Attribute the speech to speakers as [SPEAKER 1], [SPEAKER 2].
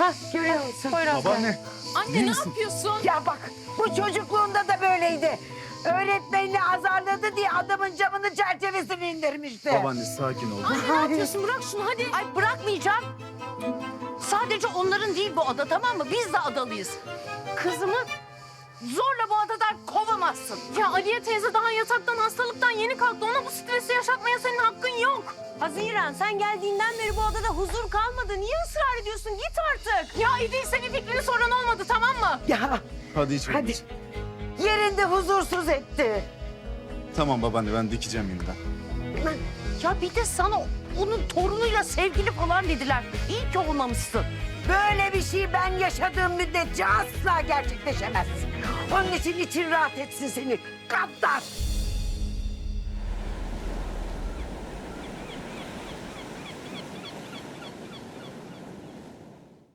[SPEAKER 1] görüyor musun?
[SPEAKER 2] Poyraz gel.
[SPEAKER 3] Babaanne.
[SPEAKER 4] Anne ne yapıyorsun?
[SPEAKER 1] Ya bak bu çocukluğunda da böyleydi. Öğretmenini azarladı diye adamın camını çerçevesini indirmişti.
[SPEAKER 3] Babaanne sakin ol.
[SPEAKER 4] Anne ne yapıyorsun? Bırak şunu hadi.
[SPEAKER 2] Ay bırakmayacağım. Sadece onların değil bu ada, tamam mı? Biz de adalıyız. Kızımı zorla bu adadan kovamazsın.
[SPEAKER 4] Ya Aliye teyze daha yataktan hastalıktan yeni kalktı. Ona bu stresi yaşatmaya senin hakkın yok.
[SPEAKER 5] Haziran sen geldiğinden beri bu adada huzur kalmadı. Niye ısrar ediyorsun? Git artık.
[SPEAKER 4] Ya İdil bir fikrini soran olmadı tamam mı?
[SPEAKER 1] Ya
[SPEAKER 3] Hadi içelim.
[SPEAKER 1] hadi. Yerinde huzursuz etti.
[SPEAKER 3] Tamam babaanne ben dikeceğim yeniden.
[SPEAKER 2] Ya bir de sana onun torunuyla sevgili falan dediler. İyi ki olmamışsın.
[SPEAKER 1] Böyle bir şey ben yaşadığım müddetçe asla gerçekleşemez. Onun için rahat etsin seni. Gaddar.